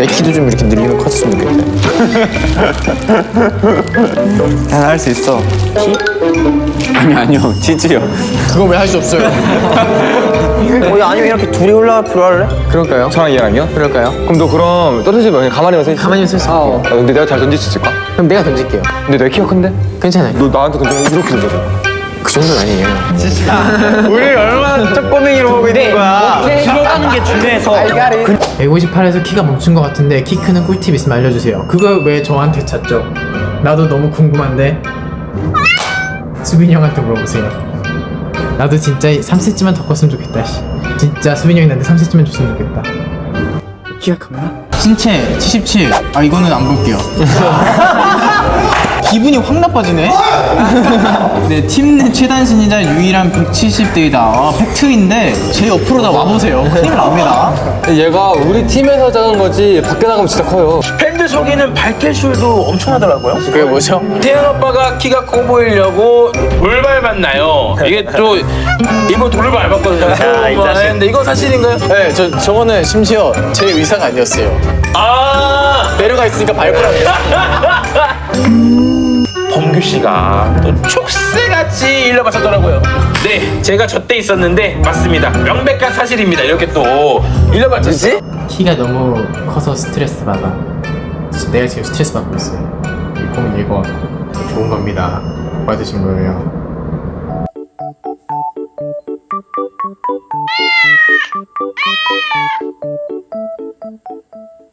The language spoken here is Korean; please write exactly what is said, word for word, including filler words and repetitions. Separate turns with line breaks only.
내 키도 좀 이렇게 늘리면 컸으면 좋겠다.
난 할 수 있어. 키? 아니 아니요 치즈요.
그거 왜 할 수 없어요?
어, 아니면 이렇게 둘이 올라가 들어갈래?
그럴까요?
저랑 얘랑요?
그럴까요?
그럼 너 그럼 떨어지지 말고 그냥 가만히만 서 있어.
가만히 서 있을게요.
아, 근데 내가 잘 던질 수 있을까?
그럼 내가 던질게요.
근데 내가 키가 큰데?
괜찮아요.
너 나한테 던지면 이렇게 던져.
그 정도는 아니에요.
우리 얼마나 쪼꼬맹이로 보고 있는 거야.
들어가는 게 중요해서.
백오십팔에서 키가 멈춘 것 같은데 키 크는 꿀팁 있으면 알려주세요. 그걸 왜 저한테 찾죠? 나도 너무 궁금한데 수빈이 형한테 물어보세요. 나도 진짜 삼 센티미터만 더 컸으면 좋겠다. 씨. 진짜 수빈이 형이 나한테 삼 센티미터만 줬으면 좋겠다. 키가 컸나? 신체 칠십칠. 아 이거는 안 볼게요. 기분이 확 나빠지네. 네, 팀 내 최단 신이자 유일한 백칠십 대이다. 아, 팩트인데 제 옆으로 다 와보세요. 큰일 납니다.
얘가 우리 팀에서 작은 거지 밖에 나가면 진짜 커요.
팬들 속에는 발캐슐도 엄청나더라고요.
그게 뭐죠?
태연 오빠가 키가 커 보이려고 돌 밟았나요? 이게 또 이번 돌을 밟았거든요.
자, 이 자식.
근데 이거 사실인가요?
네, 저 저거는 심지어 제 의사가 아니었어요.
아
내려가 있으니까 밟으라고.
범규 씨가 또 촉새같이 일러바쳤더라고요. 네, 제가 저 때 있었는데 맞습니다. 명백한 사실입니다. 이렇게 또 일러바쳤지?
키가 너무 커서 스트레스 받아. 진짜 내가 지금 스트레스 받고 있어요. 이 콩은 이거 좋은 겁니다. 받으신 거예요.